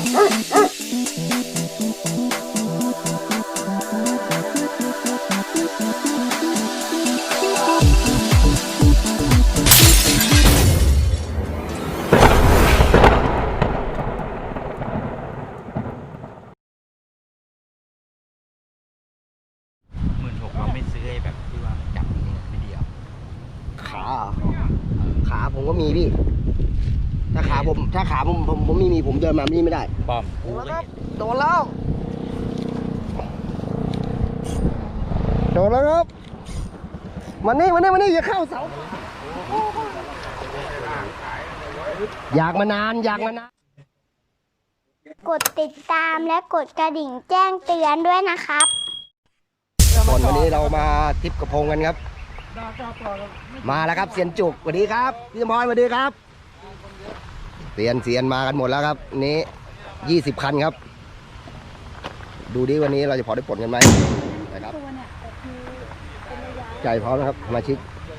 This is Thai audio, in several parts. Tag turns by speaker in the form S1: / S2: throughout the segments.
S1: ขาผมก็มีพี่ถ้าขาผมไม่มีผมเดินมาไม่ได้ป้อมโดนแล้วครับมันนี่อย่าเข้าเสาอยากมานาน
S2: กดติดตามและกดกระดิ่งแจ้งเตือนด้วยนะครับ
S1: วันนี้เรามาทริปกระพงกันครับมาแล้วครับเซียนจุกสวัสดีครับพี่สมพรสวัสดีครับเซียนมากันหมดแล้วครับนี้20 คันครับดูดิวันนี้เราจะพอได้ปลดกันไหมนะครับใจพร้อมนะครับสมาชิก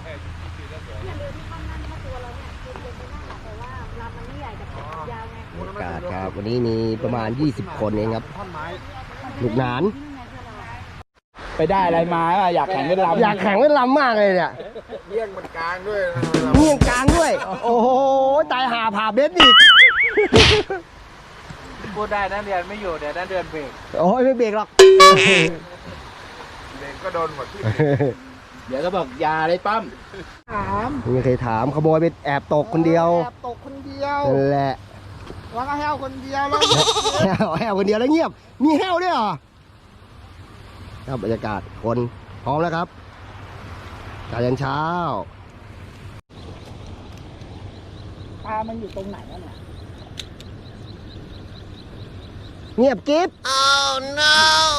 S1: อากาศครับวันนี้มีประมาณ20 คนเองครับลูกหนาน
S3: ไปได้อะไรมาอยากแข่งเล่นลำ
S1: มากเลยเนี่ย
S3: เมี่ยงมันกลางด้วย
S1: โอ้โหตายหาผ่าเบสอีก
S3: พูดได้นักเรียนไม่อยู่เดี๋ยวนักเรียนเบรก
S1: โอ้ยไม่เบรกหรอก
S3: เบรกก็โดนหมดที่เดี๋ยวก็บอกยาเลยปั้ม
S1: ไม่เคยถามขโมยไปแอบตกคนเดียวนั่นแหละ
S3: แล้วก็แห้วคนเดียวแล้ว
S1: แห้วคนเดียวแล้วเงียบมีแห้วด้วยเหรอครับบรรยากาศคนพร้อมแล้วครับการยันเช้า
S3: ปลามันอยู่ตรงไหนแล้วเนี่ย
S1: เงียบกิ๊บ
S2: Oh no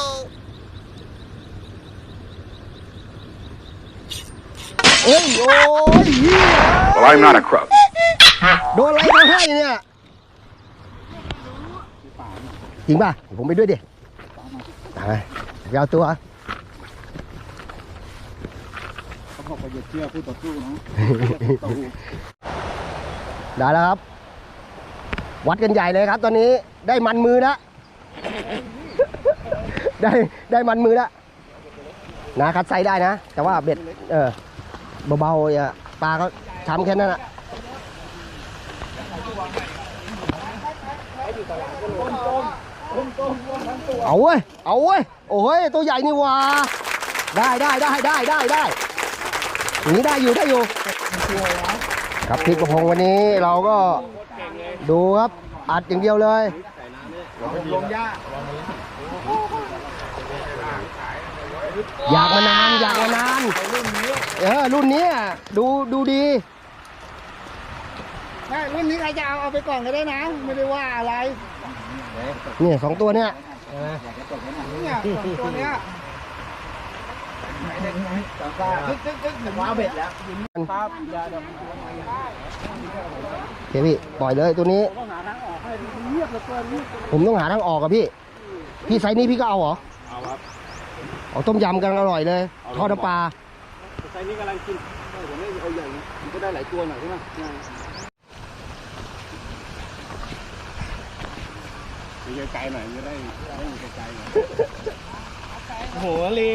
S1: โอ้ยWell I'm not a crook โดนอะไรมาให้เนี่ยจริงป่ะผมไปด้วยดิไปเอาตัว
S3: เขาบอกว่าอย่าเชื่อผู้ต่อสู้นะ
S1: ได้แล้วครับวัดกันใหญ่เลยครับตอนนี้ได้มันมือแล้วได้มันมือแล้วนะคัดไซได้นะแต่ว่าเบ็ดเบาๆอย่าปลาก็ช้ำแค่นั้นอ่ะเอาเว้ยโอ้ยตัวใหญ่นี่ว่าได้อย่างนี้ได้อยู่ครับพริกกระพงวันนี้เราก็ดูครับอัดอย่างเดียวเลย
S3: ลงยา
S1: อยากมานานรุ่นนี้ดูดี
S3: รุ่นนี้ใครจะเอาไปก่อนก็ได้นะไม่ได้ว่าอะไร
S1: นี่2 ตัวเนี่ย
S3: ตัวเนี้ยว้าวเบ็ดแล้ว
S1: เฮ้ยพี่ปล่อยเลยตัวนี้ผมต้องหาทางออกกับพี่ไซส์นี้พี่ก็เอาเหรอ
S3: เอาครับ
S1: เอาต้มยำกันอร่อยเลยทอดน้ำปลา
S3: ไซส์นี้กำลังกินผมไม่เอาใหญ่มันก็ได้หลายตัวหน่อยใช่ไหมไกลหน่อยจะได้ไกลหน่อยโหลี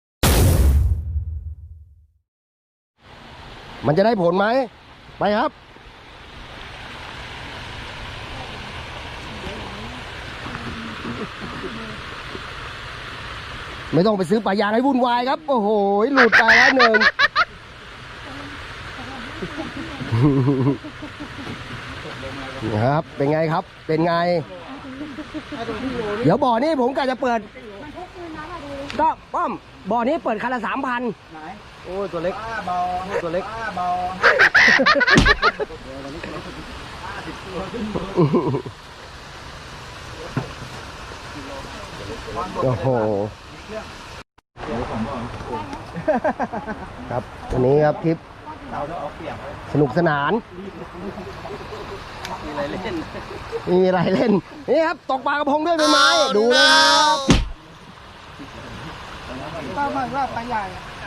S1: มันจะได้ผลไหมไปครับไม่ต้องไปซื้อปลายางให้วุ่นวายครับโอ้โหหลุดไปแล้วหนึ่งครับเป็นไงครับเป็นไงเดี๋ยวบ่อนี้ผมกะจะเปิดก็ป้อมบ่อนี้เปิดคันละ 3,000โอ้ตัวเล็กโอ้โหครับวันนี้ครับคลิปสนุกสนานมีอะไรเล่นนี่ครับตกปลากระพงด้วยใบไม้ดูนะครับ
S3: ปลามันว่าปลาใหญ่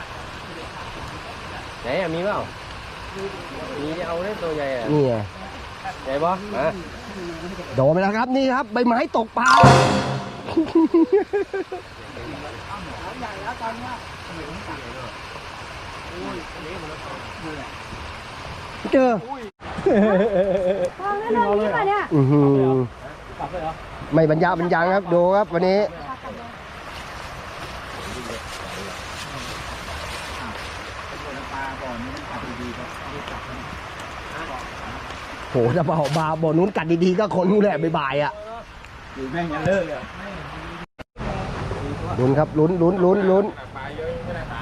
S1: ไหนมีเปล่ามีเอาได้ตัวใหญ่นี่ไงใหญ่ปะโดนไปแล้วครับนี่ครับใบไม้ตกปลาเจอ
S2: ทองนั่นโดนนี่ป่ะเนี่ย
S1: ไม่บรรยาบรรยังครับดูครับวันนี้โหจะบอกบาร์บ่อนู้นกัดดีๆก็คนนู้นแหละบ่ายๆอ่ะ
S3: อยู่แม่งยังเลิกเลย
S1: ลุ้นครับลุ้นลุ้นลุ้นลุ้น
S3: ปลาเยอะไม่ได้ปลา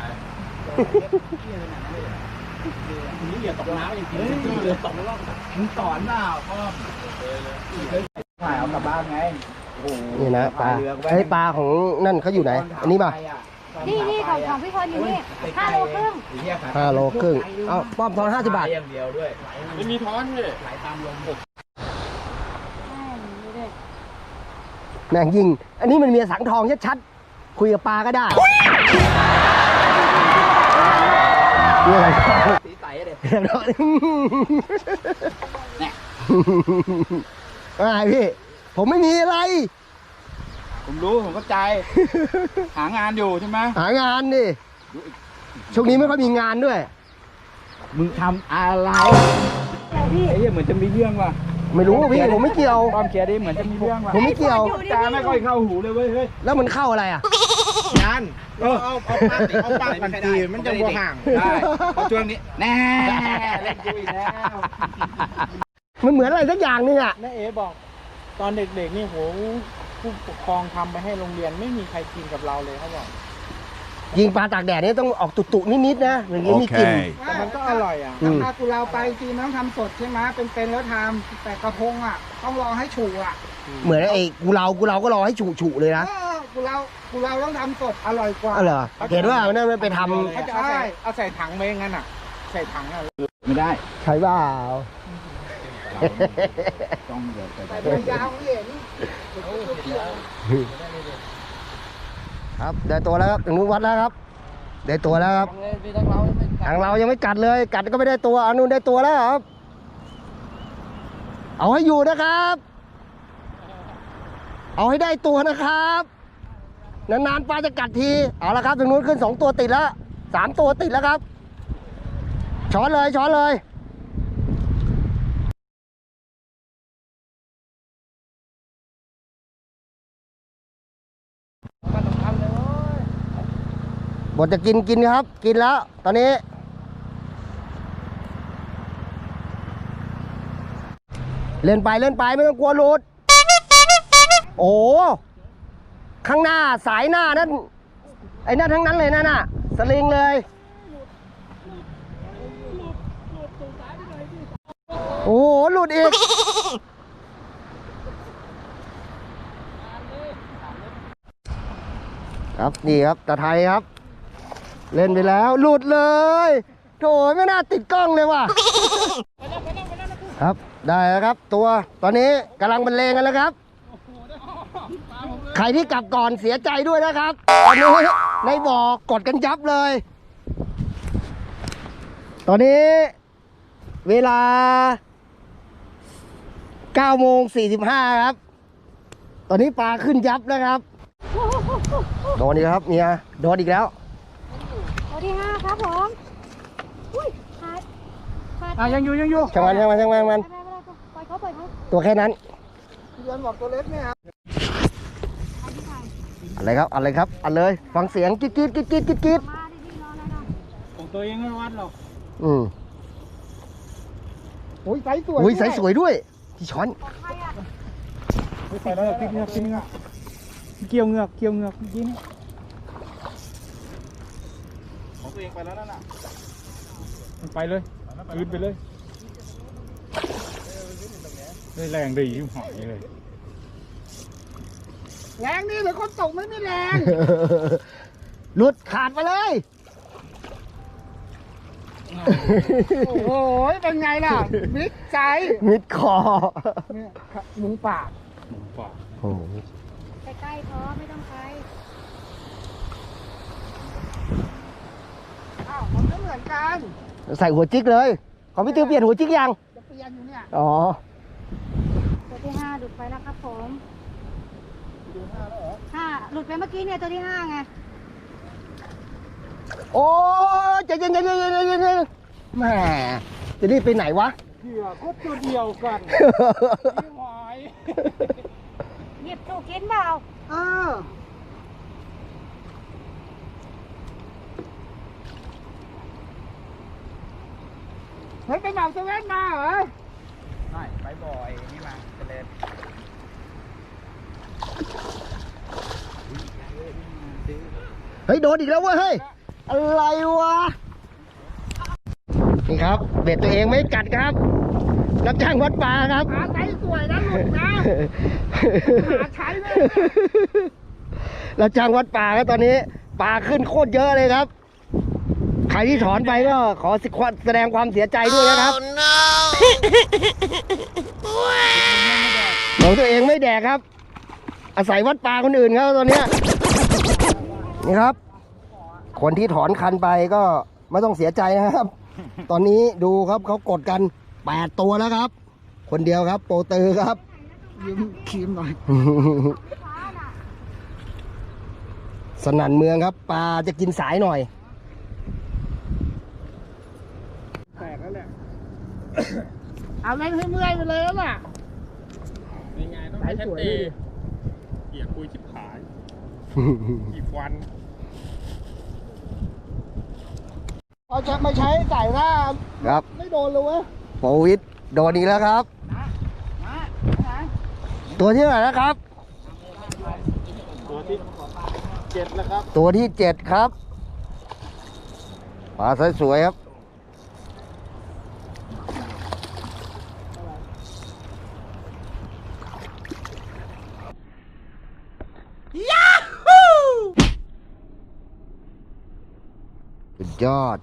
S3: นี่อย่าตกน้ำอย่างนี้เรือตกแล้วมึงสอนเปล่าพ่อถ่ายเอากลับบ้านไงโอ้โห
S1: นี่นะปลาไอ้ปลาของนั่นเขาอยู่ไหนอันนี้ป่ะ
S2: นี่ของพี่คนอยู่นี่5 โลครึ่ง
S1: 5 โลครึ่งเอ้าป้อมทอน50 บาท
S3: อย่างเดียวด้วยไม่มีท้อนเลยไหลตามลม
S1: แม่งยิงอันนี้มันเมียสังทองชัดๆคุยกับปลาก็ได้เมียสังทอง
S3: สีใสเลย
S1: อะไรพี่ผมไม่มีอะไร
S3: ผมรู้ผมเข้าใจหางานอยู่ใช่ไหม
S1: หางานดิช่วงนี้ไม่ค่อยมีงานด้วย
S3: มึงทำอะไรไอ้เหี้ยเหมือนจะมีเรื่องว่ะ
S1: ไม่รู้พี่ผมไม่เกี่ยว
S3: ความเขียนดิเหมือนจะมีเรื่องว่ะ
S1: ผมไม่เกี่ยว
S3: จาไม่ค่อยเข้าหูเลยเว้ยเฮ้ย
S1: แล้วมันเข้าอะไรอ่ะ
S3: งานเอาปากพันตีมันจะบ่ห่างได้เพราะช่วงนี้แน่เล่นกูอีกแล้ว
S1: มันเหมือนอะไรสักอย่างนึงอ่ะ
S4: น้าเอ๋บอกตอนเด็กๆนี่โหผู้ปกครองทำไปให้โรงเรียนไม่มีใครกินกับเราเลยเขาบอก
S1: ยิงปลาตากแดดนี่ต้องออกตุๆนิดๆนะอย่างนี้มีกลิ่น
S4: แต่มันก็อร่อยอ่ะ
S5: ถ้ากูเราไปจริงต้องทำสดใช่ไหมเป็นแล้วทำแต่กระพงอ่ะ ต้องรอให้ฉูอ่ะ
S1: เหมือนไอ้กูเราก็รอให้ฉุๆเลยนะ
S5: กูเราต้องทำสดอร่อยกว่า
S1: อ๋อเหรอเห็นว่านั่นมันไปท
S4: เขาจะเอาใส่ถังไปงั้นอ่ะ ใส่ถังอ่ะ
S3: ไม่ได้
S1: ำใช่เปล่า
S3: ต้องเดี๋ยว
S5: แต่มันยาวเห็น
S1: ครับได้ตัวแล้วครับถึงนู้นวัดแล้วครับได้ตัวแล้วครับทางเรายังไม่กัดเลยกัดก็ไม่ได้ตัวอันนู้นได้ตัวแล้วครับเอาให้อยู่นะครับ เอาให้ได้ตัวนะครับนานๆปลาจะกัดทีเอาละครับถึงนู้นขึ้น2 ตัวติดแล้ว3 ตัวติดแล้วครับช้อนเลยช้อนเลยบทจะกินครับกินแล้วตอนนี้เล่นไปไม่ต้องกลัวหลุดโอ้ข้างหน้าสายหน้านั่นไอ้นั่นทั้งนั้นเลยนั่นน่ะสลิงเลยโอ้โหหลุดอีกครับนี่ครับตาไทยครับเล่นไปแล้วหลุดเลยโถ่ไม่น่าติดกล้องเลยว่ะครับได้แล้วครับตัวตอนนี้กำลังบรรเลงกันแล้วครับใครที่กลับก่อนเสียใจด้วยนะครับตอนนี้ในบ่อกดกันยับเลยตอนนี้เวลา9:45ครับตอนนี้ปลาขึ้นยับแล้วครับโดนอีกครับเมียโดนอีกแล้ว
S2: ตัวที่ 5 ครับผมอุ้ยขาด
S4: ยังอยู่
S1: ช่างมัน
S2: ไปปล่อยเขา
S1: ตัวแค่นั้น
S5: เดือนบอกตัวเล็กเนี่ยครับ
S1: อะไรครับอันเลยฟังเสียงกิ๊ด
S2: มาดิพี่รอแล้วนะ
S4: ของตัวเองไม่วัดหรอก
S5: โอ้ยไซส์สวย
S1: อุ้ยใสสวยด้วยที่ช้อน
S2: ของใครอ่ะ
S4: ไปแล้วพลิกเงือกเกี่ยวเงือกเมื่อกี้นี่
S3: ของตัวเองไปแล้วนั่นน่ะ
S4: มันไปเลยยืนไปเลยได้แรงดีที่หอยเลย
S5: แรงนี่หรือคนตกไม่แรง
S1: หลุดขาดไปเลย
S5: โอ้โหเป็นไงล่ะมิดใจ
S1: มิดคอ
S5: เนี่ยหมูป่า
S4: หมูป่า
S1: โอ้โห
S2: ใกล้ๆพอไม่ต้องไป
S5: อ้าวมันก็เหมือนกัน
S1: ใส่หัวจิกเลยของพี่ตือเปลี่ยนหัวจิกยัง
S5: จะเปลี่ยนอยู่เนี่ย
S1: อ๋อ
S5: แต่
S2: ตัวที่5หลุดไปแล้วครับผม
S5: ดูหน้าแล้วเหรอ
S2: 5หลุดไปเมื่อกี้เนี่ยตัวที่5ไง
S1: โอ้ยใจเย็นแหม่จะรีบไปไหนวะ
S4: เผื่อก็ตัวเดียวกันไม่ไหว
S2: หยิบถูกกินเปล่า
S5: เออเฮ้ยไปเหมาเซเว่นมาเหรอ
S3: ใช่ไปบ่อยนี่มาเจริญ
S1: เฮ้ยโดนอีกแล้วเว้ยเฮ้ยอะไรวะนี่ครับเบ็ดตัวเองไม่กัดครับรับจ้างวัดปลาครับ
S5: หาใช้สวยนะหลุดนะหาใช้เลย
S1: รับจ้างวัดปลาครับตอนนี้ปลาขึ้นโคตรเยอะเลยครับ ใครที่ถอนไปก็ขอแสดงความเสียใจด้วยนะครับของตัวเองไม่แดกครับ อาศัยวัดปลาคนอื่นครับตอนเนี้ยนี่ครับ คนที่ถอนคันไปก็ไม่ต้องเสียใจนะครับ ตอนนี้ดูครับเขากดกัน8ตัวแล้วครับ คนเดียวครับโปรเตอร์ครับ
S5: ยืมครีมหน่อย
S1: สนั่นเมืองครับปลาจะกินสายหน่อย
S5: แตกแล้วแหละ เอาเล่นให้เมื่อยไปเลยแล้วล่ะ
S4: ยังไงต้องให้ชัดเจนเกียร์คุยชิบหายกี่วัน
S5: เอาจะไม่ใช้ใส่หน้า
S1: ครับ
S5: ไม่โดนเลยเว้ย
S1: โปวิดโดนอีกแล้วครับ ตัวที่เท่าไหร่นะครับ
S4: ตัวที่7แล้วครับ
S1: ตัวที่7ครับปลาสวยๆครับสุดยอด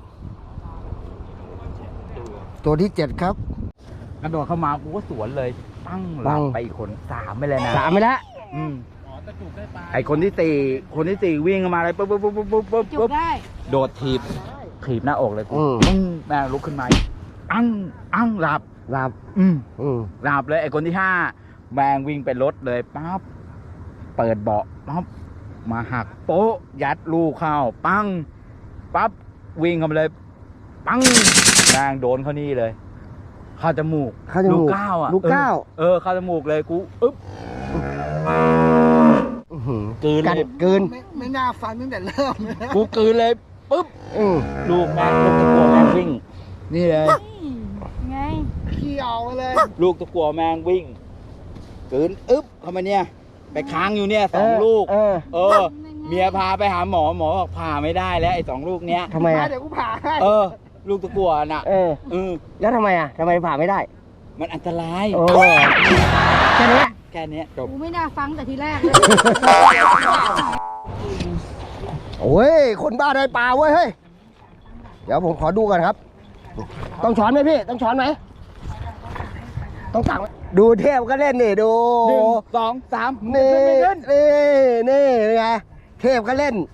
S1: ตัวที่7ครับ
S3: กระโดดเข้ามากูก็สวนเลยตั้งหลับไปอีกคน3ไปเลยนะ
S1: 3ไปแล้ว
S3: อืม
S4: อ๋อตะจุกได้ปลา
S3: ไอคนที่4วิ่งเข้ามาเลยปุ๊บ
S2: จุกได้
S3: โดดถีบหน้าอกเลยกู
S1: อืม
S3: ปึ้งแม่งลุกขึ้นมาอั้งหลับ
S1: หลับ
S3: อืม
S1: อืม
S3: หลับเลยไอคนที่5แมงวิ่งไปรถเลยปั๊บเปิดเบาะปั๊บมาหักโป๊ะยัดลูกเข้าปังปั๊บวิ่งเข้ามาเลยปังแมงโดนเขานี่เลยเข้าจมูก
S1: เข้าจมูก
S3: ลูกก้าวอ่ะ
S1: ลูกก้าว
S3: เข้าจมูกเลยกูอึ๊บ
S1: อื้อหือ
S3: กืน
S1: กัด
S3: เลย
S1: กืน
S5: ไม่น่าฟันตั้งแต่เริ่มเลย
S3: กูกืนเลยปุ๊บ
S1: อืม
S3: ลูกตะกัวแมงวิ่ง นี่เลย
S2: ไง
S5: ขี้เอาไปเลย
S3: ลูกตะกัวแมงวิ่งกืนอึ๊บเข้ามาเนี่ย ไปค้างอยู่เนี่ย2 ลูก เมียพาไปหาหมอบอกผ่าไม่ได้แล้วไอ้2 ลูกเนี้ย
S1: ทำไมอ่ะ
S5: เดี๋ยวกูผ่าให้
S3: ลูกตะกัวน่ะ
S1: แล้วทำไมอ่ะทำไมผ่าไม่ได้
S3: มันอันตราย
S1: โอ้แค่นี้
S3: แค่เนี้ยจบ
S2: กูไม่น่าฟังแต่ทีแรกเลย
S1: โอ้ยคนบ้าได้ปลาเว้ยเฮ้ยเดี๋ยวผมขอดูก่อนครับ ต้องช้อนไหมพี่ต้องช้อนไหมต้องตักไหมดูเทพก็เล่นนี่ดู
S3: 1 2 3
S1: นี่
S3: ขึ้น
S1: นี่ไงเทพก็เล่น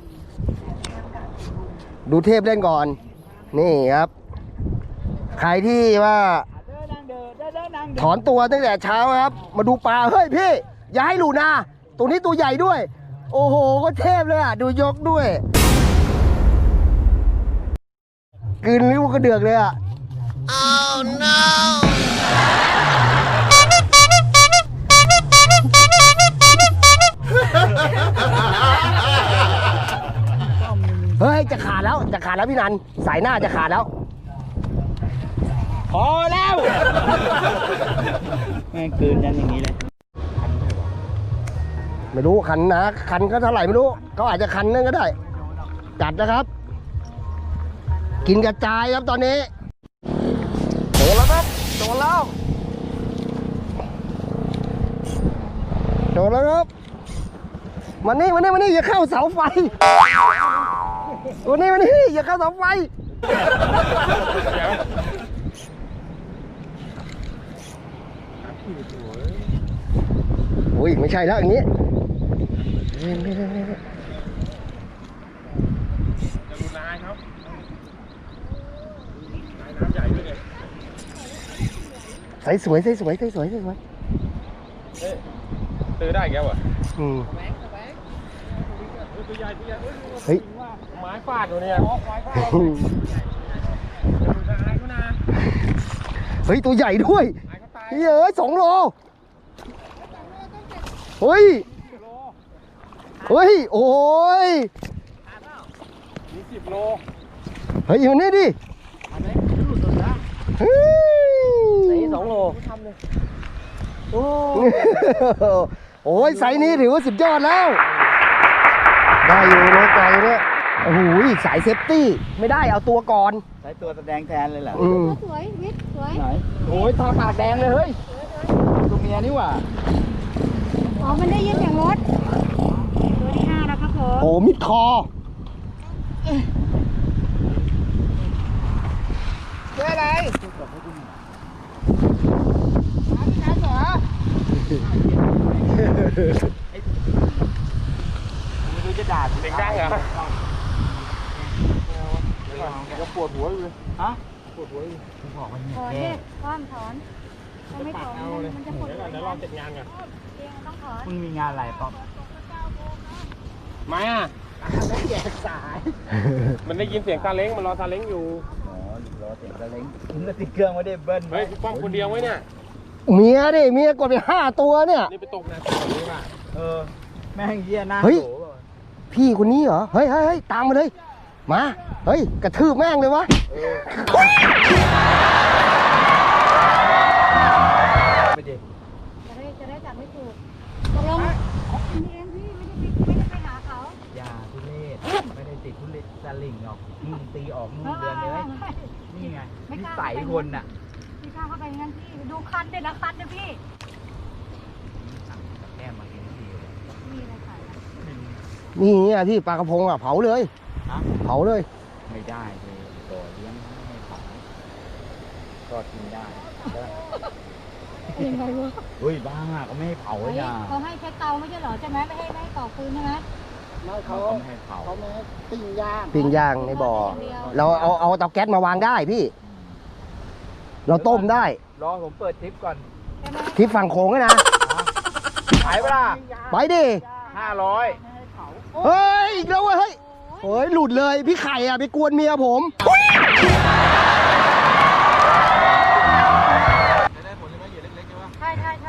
S1: ดูเทพเล่นก่อน นี่ครับ ใครที่ว่าถอนตัวตั้งแต่เช้าครับ มาดูปลาเฮ้ยพี่อย่าให้หลูนาตัวนี้ตัวใหญ่ด้วย โอ้โหก็เทพเลยอ่ะดูยกด้วยกลืนลิ้วกระเดือกเลยอ่ะ oh no เฮ้ยจะขาดแล้วพี่นันสายหน้าจะขาดแล้ว
S3: พอแล้วแม่งกืนยันอย่างนี้เลย
S1: ไม่รู้คันนะคันก็เท่าไหร่ไม่รู้เขาอาจจะคันนึงก็ได้จัดนะครับ กินกระจายครับตอนนี้โดนแล้วครับโดนแล้วครับมานี่อย่าเข้าเสาไฟมานี่อย่าเข้าเสาไฟโอ้ยไม่ใช่แล้วอย่างนี้
S4: จะรุนแรงครับน้ำใหญ่ด้วยเนี่ย
S1: ใส่สวย
S6: ซื้อได้แกวะ
S1: อืม
S6: ตัวใหญ่ตัวใหญ่
S1: เฮ้ย
S6: ไม้ฟาดอยู่เนี่ย
S1: เฮ้ย ตัวใหญ่ด้วยเฮ้ย2 โล เฮ้ย เฮ้ย โอ้ย
S6: มี10 โล
S1: เฮ้ยอยู่นี่ดิเฮ้ย
S5: 2 โล
S1: โอ้ยไซส์นี้ถือว่าสุดยอดแล้ว ได้อยู่นะไกลเนี่ยโอ้โหสายเซฟตี้ไม่ได้เอาตัวก่อน
S3: ใช้ตัวแสดงแทนเลยเหรอ
S1: อืม
S2: สวยวิทย์สวย
S3: ไหนโอ้ยทาปากแดงเลยเฮ้ยตัวเมียนี่หว่า
S2: อ๋อมันได้ยินเสียงรถตัวที่5แล้วครับผม
S1: โอ้มิดคอ
S5: เจออะไร
S3: ไม่รู้จะด่า
S6: เด็กได้เหรอ
S3: จะปวดหัวเลยฮะ
S2: ถอนดิถอนถ้าไม่ถอนมันจะปวดหัว
S6: เดี๋ยวรอเสร็จงานก่อน
S2: เองต้องถอน
S3: มึงมีงานอะไรป๊อป
S6: ไม้อ่ะ
S5: แยกสาย
S6: มันได้ยินเสียงซาเล้งมันรอซาเล้งอยู่
S3: อ๋อรอเสียงตะเล้งมึงก็ติดเครื่องไม่ได้เบิ้ล
S6: เฮ้ยป้องคนเดียวไว้เนี่ย
S1: เมียดิเมียกดไป5 ตัวเนี่ย
S6: นี่ไปตกน้ำแบบนี้ป่ะ
S3: แม่งเยี่ยหน้า
S1: เฮ้ย
S3: โหป่ะ
S1: พี่คนนี้เหรอ เฮ้ยเฮ้ยเฮ้ยตามมาเลย มา เฮ้ย กระทืบแม่งเลยวะ
S3: ไปดิ
S2: จะได้จับไม่ถูกตกลงนี่เองพี่ไม่ได้ไปหาเขา
S3: อย่าทุเรศไม่ได้ติดทุเรศสลิงหรอกมึงตีออกนู่นเดือนเลย นี่ไงนิสัยคนน่ะ
S2: พี่ข้าเข้าไปงั้นพี่ดูคันเด็ดนะคันนะพี่
S3: แก้มากินทีเลย
S2: มีอะไรขายนะ
S1: นี่เนี่ยพี่ปลากระพงอ่ะเผาเลย
S3: ฮะ
S1: เผาเลย
S3: ไม่ได้เลยตัวเลี้ยงไม่ให้เผาก็กินได้
S2: ยังไงวะ
S3: เฮ้ยบ้าก็ไม่ให้เผาเลยนะ
S2: เขาให้ใช้เตาไม่ใช่เหรอใช่ไหมไม่ให้ต่อฟืนใช่ไหม
S5: ไม่เขา
S3: ก็ไม่ให้เผา
S5: เขาไม่ให้ปิ้งย่าง
S1: ปิ้งย่างในบ่อ เราเอาเตาแก๊สมาวางได้พี่ เราต้มได้
S3: รอผมเปิดทริปก่อน
S2: ใช่ไหม
S1: ทิศฝั่งโขงเลยนะ
S3: ขายเปล่า
S1: ไปดิ
S3: 500
S1: เฮ้ย อีกแล้วเว้ยเฮ้ยเฮ้ย หลุดเลย พี่ไข่อ่ะ ไปกวนเมียผม
S2: ใช่ใช่ใช่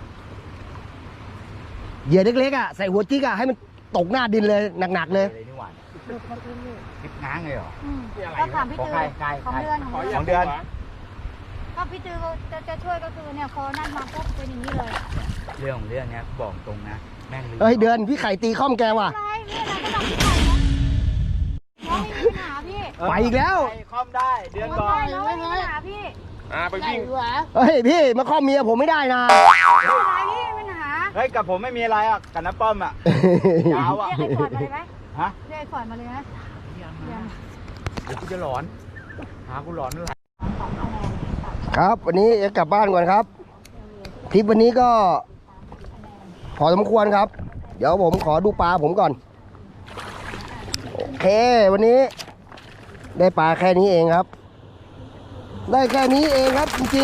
S1: เหยื่อเล็กๆอ่ะ ใส่หัวจิ๊กอ่ะ ให้มันตกหน้าดินเลยหนักๆเลย
S3: เลยนี่หว่า
S2: หลุดมาคืนอยู่
S3: ทริปง้างเลยเหรอ
S2: ก็ถามพี่
S3: ของ
S2: ตือ
S3: ใครใคร
S2: ของเดือน
S6: ขอ
S3: ของเดือน
S2: ก็พี่ตือจะช่วยก็คือเนี่ยพอนั่นมาปุ๊บเป็นอย่างนี้เลย
S3: เรื่องของเรื่องเนี้ยบอกตรงนะ แม่งลืม
S1: เฮ้ย เดือนพี่ไข่ตีข้อมแกว่ะ
S2: อะไรเนี่ยเราก็ลองพี่ไข่นะน้องไม่มีปัญหาพี่
S1: ไปอีกแล้ว
S3: ไปคอมได้เดือนก่อน
S2: น้องไม่มีปัญหาพี่
S6: ไปวิ่ง
S1: เฮ้ย พี่มาข้อมเมียผมไม่ได้นะ
S2: ไม่เป็นไรพี่ไม่มีปัญหา
S3: เฮ้ยกับผมไม่มีอะไรอ่ะกับน้าป้อมอ่ะ ยาวอ่ะ
S2: เรียกไอ้ฟอร์ดมาเลยไหม
S3: ฮะ
S2: เรียกไอ้ฟอร์ดมาเลยไหมยัง
S3: เดี๋ยวกูจะหลอนหากูหลอนเมื่อไหร่
S1: ครับ วันนี้จะกลับบ้านก่อนครับทริปวันนี้ก็พอสมควรครับ เดี๋ยวผมขอดูปลาผมก่อน โอเค วันนี้ ได้ปลาแค่นี้เองครับ ได้แค่นี้เองครับจริง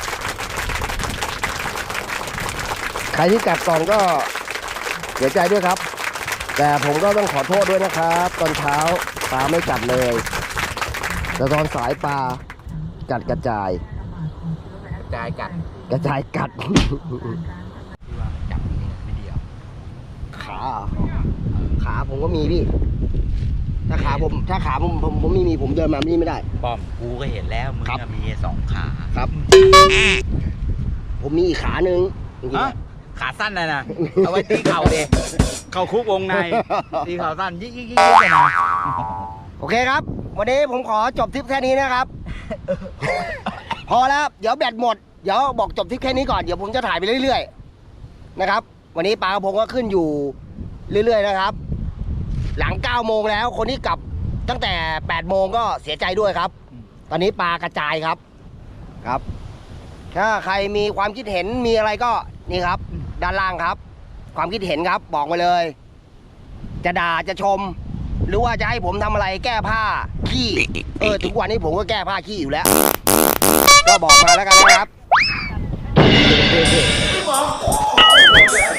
S1: ๆ ใครที่กัดก่อนก็เสียใจด้วยครับ แต่ผมก็ต้องขอโทษด้วยนะครับ ตอนเช้าปลาไม่กัดเลย แต่ตอนสายปลากัดกระจาย
S3: จ่ายกัด
S1: กระจายกัด
S3: ที่ว่าจับนี่ไม่เดียว
S1: ขาผมก็มีพี่ ถ้าขาผมไม่มีผมเดินมานี่ไม่ได้
S3: ป้อมกูก็เห็นแล้วมึง
S1: ครับ
S3: อะมี2 ขา
S1: ครับ ผมมีอีกขาหนึ่งจริงๆ
S3: ฮะ
S1: อะ
S3: ขาสั้นเลยนะเอาไว้ตีเข่าเดเข่าคุกวงในตีเข่าสั้นยิ่งเลยนะ
S1: โอเคครับ วันนี้ผมขอจบทริปแค่นี้นะครับ พอแล้ว เดี๋ยวแบตหมด เดี๋ยวบอกจบทริปแค่นี้ก่อน เดี๋ยวผมจะถ่ายไปเรื่อยๆนะครับ วันนี้ปลากระพงก็ขึ้นอยู่เรื่อยๆนะครับ หลัง9 โมงแล้ว คนที่กลับตั้งแต่8 โมงก็เสียใจด้วยครับ ตอนนี้ปลากระจายครับครับ ถ้าใครมีความคิดเห็นมีอะไรก็นี่ครับ ด้านล่างครับ ความคิดเห็นครับ บอกมาเลย จะด่าจะชม หรือว่าจะให้ผมทำอะไรแก้ผ้าขี้ทุกวันนี้ผมก็แก้ผ้าขี้อยู่แล้ว ก็บอกมาแล้วกันนะครับ
S6: เรา